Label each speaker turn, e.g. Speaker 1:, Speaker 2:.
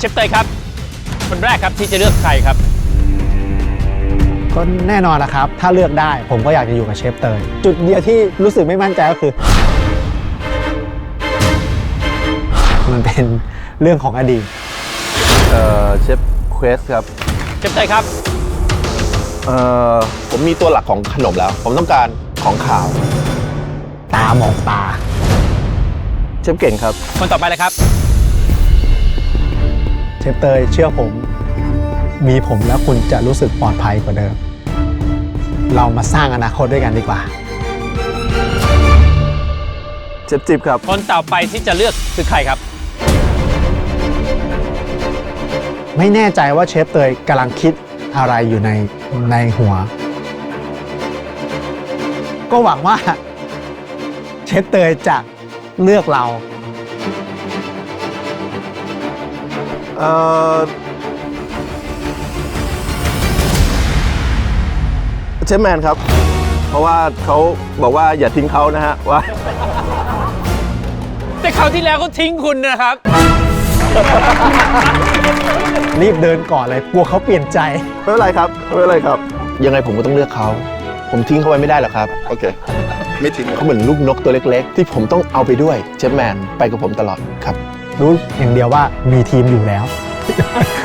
Speaker 1: ชฟเตยครับคนแรกครับที่จะเลือกใครครับ
Speaker 2: ก็แน่นอนนะครับถ้าเลือกได้ผมก็อยากจะอยู่กับเชฟเตยจุดเดียวที่รู้สึกไม่มั่นใจก็คือ มันเป็นเรื่องของอดีต
Speaker 3: เชฟเควสครับ
Speaker 1: เชฟเตยครับ
Speaker 3: ผมมีตัวหลักของขนมแล้ว ผมต้องการของขาว
Speaker 2: ตามองตา
Speaker 3: เชฟเก่งครับ
Speaker 1: คนต่อไปเลยครับ
Speaker 2: เชฟเตยเชื่อผมมีผมแล้วคุณจะรู้สึกปลอดภัยกว่าเดิม เรามาสร้างอนาคตด้วยกันดีกว่า
Speaker 3: เชฟจิ๊บครับ
Speaker 1: คนต่อไปที่จะเลือกคือใครครับ
Speaker 2: ไม่แน่ใจว่าเชฟเตยกำลังคิดอะไรอยู่ในหัว ก็หวังว่าเชฟเตยจะเลือกเรา
Speaker 3: เชฟแมนครับ เพราะว่าเขาบอกว่าอย่าทิ้งเขานะฮะว่า
Speaker 1: แต่คราวที่แล้วเขาทิ้งคุณนะครับ
Speaker 2: รีบเดินก่อนเลยกลัวเขาเปลี่ยนใจ
Speaker 3: ไม่เป็นไรครับไม่เป็นไรครับ ยังไงผมก็ต้องเลือกเขา ผมทิ้งเขาไว้ไม่ได้หรอกครับ โอเค ไม่ทิ้งเขาเหมือนลูกนกตัวเล็กๆ ที่ผมต้องเอาไปด้วยเชฟแมนไปกับผมตลอดครับ
Speaker 2: รู้อย่างเดียวว่ามีทีมอยู่แล้ว